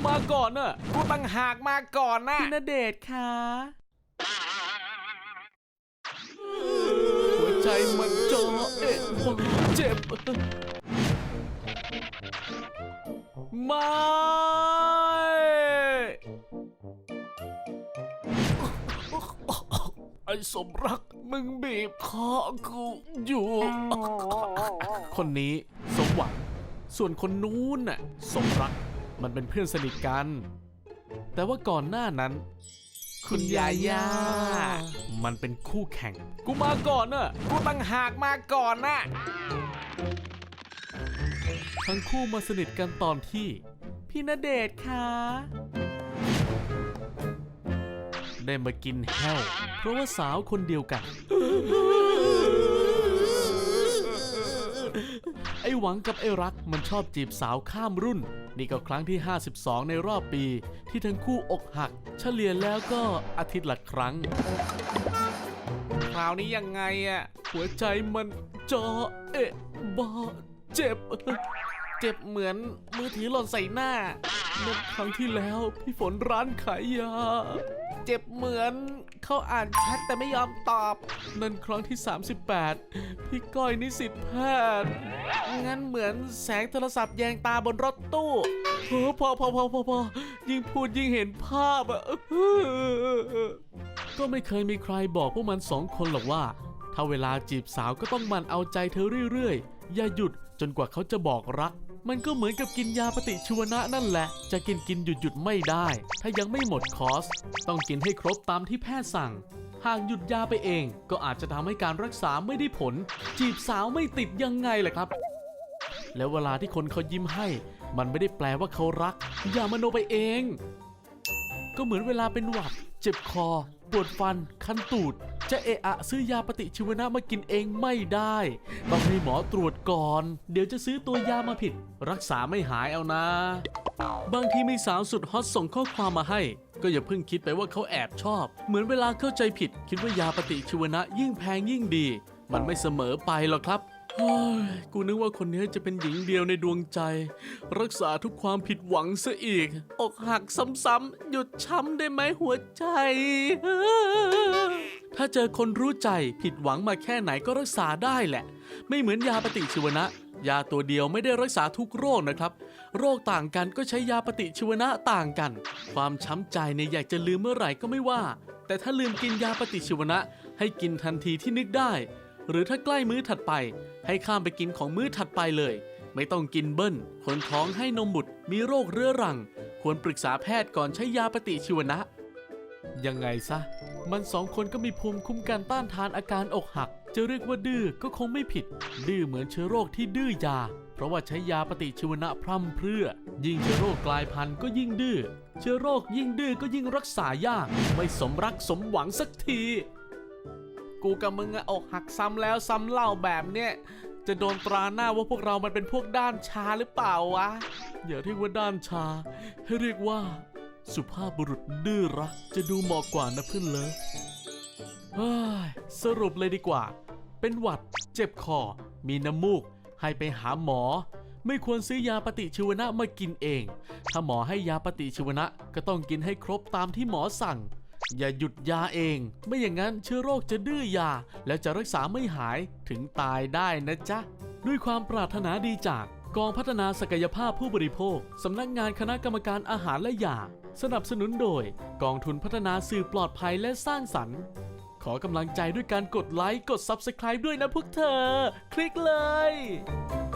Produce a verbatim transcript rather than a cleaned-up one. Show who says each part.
Speaker 1: มาก่อนน่ะกูตั้งหากมาก่อนนะ
Speaker 2: พี่ณเดชน์คะ
Speaker 1: หัวใจมันจ่อเอ๊ะเจ็บไม่ไอ้สมรักมึงบีบคอกูอยู่คนนี้สมหวังส่วนคนนู้นน่ะสมรักมันเป็นเพื่อนสนิทกันแต่ว่าก่อนหน้านั้นคุณยาย่ามันเป็นคู่แข่งกูมาก่อนน่ะกูตั้งหากมาก่อนน่ะทั้งคู่มาสนิทกันตอนที่
Speaker 2: พี่ณเดชน์คะ
Speaker 1: ได้มากินแห้วเพราะว่าสาวคนเดียวกันไอ้หวังกับไอ้รักมันชอบจีบสาวข้ามรุ่นนี่ก็ครั้งที่ห้าสิบสองในรอบปีที่ทั้งคู่อกหักเฉลี่ยแล้วก็อาทิตย์ละครั้งคราวนี้ยังไงอะหัวใจมันจ่อเอ๊ะบาเจ็บเจ็บเหมือนมือถือหล่นใส่หน้าเมื่อครั้งที่แล้วพี่ฝนร้านขายยาเจ็บเหมือนเขาอ่านแชทแต่ไม่ยอมตอบนั่นครั้งที่สามสิบแปดพี่ก้อยนิสิตแพทย์งั้นเหมือนแสงโทรศัพท์แยงตาบนรถตู้โอ้พอพอพอพอพอยิ่งพูดยิ่งเห็นภาพอะก็ไม่เคยมีใครบอกพวกมันสองคนหรอกว่าถ้าเวลาจีบสาวก็ต้องมันเอาใจเธอเรื่อยๆอย่าหยุดจนกว่าเขาจะบอกรักมันก็เหมือนกับกินยาปฏิชีวนะนั่นแหละจะกินกินหยุดหยุดไม่ได้ถ้ายังไม่หมดคอร์สต้องกินให้ครบตามที่แพทย์สั่งหากหยุดยาไปเองก็อาจจะทำให้การรักษาไม่ได้ผลจีบสาวไม่ติดยังไงล่ะครับแล้วเวลาที่คนเขายิ้มให้มันไม่ได้แปลว่าเขารักอย่ามโนไปเองก็เหมือนเวลาเป็นหวัดเจ็บคอปวดฟันคันตูดจะเอะอะซื้อยาปฏิชีวนะมากินเองไม่ได้ต้องให้หมอตรวจก่อนเดี๋ยวจะซื้อตัวยามาผิดรักษาไม่หายเอานะบางทีมีสาวสุดฮอตส่งข้อความมาให้ก็อย่าเพิ่งคิดไปว่าเขาแอบชอบเหมือนเวลาเข้าใจผิดคิดว่ายาปฏิชีวนะยิ่งแพงยิ่งดีมันไม่เสมอไปหรอกครับเฮ้ยกูนึกว่าคนนี้จะเป็นหญิงเดียวในดวงใจรักษาทุกความผิดหวังซะอีกอกหักซ้ำๆหยุดช้ำได้ไหมหัวใจถ้าเจอคนรู้ใจผิดหวังมาแค่ไหนก็รักษาได้แหละไม่เหมือนยาปฏิชีวนะยาตัวเดียวไม่ได้รักษาทุกโรคนะครับโรคต่างกันก็ใช้ยาปฏิชีวนะต่างกันความช้ำใจเนี่ยอยากจะลืมเมื่อไหร่ก็ไม่ว่าแต่ถ้าลืมกินยาปฏิชีวนะให้กินทันทีที่นึกได้หรือถ้าใกล้มื้อถัดไปให้ข้ามไปกินของมื้อถัดไปเลยไม่ต้องกินเบิ้ลคนท้องให้นมบุตรมีโรคเรื้อรังควรปรึกษาแพทย์ก่อนใช้ยาปฏิชีวนะยังไงซะมันสองคนก็มีภูมิคุ้มกันต้านทานอาการอกหักจะเรียกว่าดื้อก็คงไม่ผิดดื้อเหมือนเชื้อโรคที่ดื้อยาเพราะว่าใช้ยาปฏิชีวนะพร่ำเพรื่อยิ่งเชื้อโรคกลายพันธุ์ก็ยิ่งดื้อเชื้อโรคยิ่งดื้อก็ยิ่งรักษายากไม่สมรักสมหวังสักทีกูกับมึงอะอกหักซ้ำแล้วซ้ำเล่าแบบเนี้ยจะโดนตราหน้าว่าพวกเรามันเป็นพวกด้านชาหรือเปล่าวะอย่าเรียกว่าด้านชาให้เรียกว่าสุภาพบุรุษดื้อรักจะดูเหมาะกว่านะเพื่อนเลิฟเฮ้ยสรุปเลยดีกว่าเป็นหวัดเจ็บคอมีน้ำมูกให้ไปหาหมอไม่ควรซื้อยาปฏิชีวนะมากินเองถ้าหมอให้ยาปฏิชีวนะก็ต้องกินให้ครบตามที่หมอสั่งอย่าหยุดยาเองไม่อย่างนั้นเชื้อโรคจะดื้อยาแล้วจะรักษาไม่หายถึงตายได้นะจ๊ะด้วยความปรารถนาดีจากกองพัฒนาศักยภาพผู้บริโภคสำนักงานคณะกรรมการอาหารและยาสนับสนุนโดยกองทุนพัฒนาสื่อปลอดภัยและสร้างสรรค์ขอกำลังใจด้วยการกดไลค์กด ซับสไครบ์ ด้วยนะพวกเธอคลิกเลย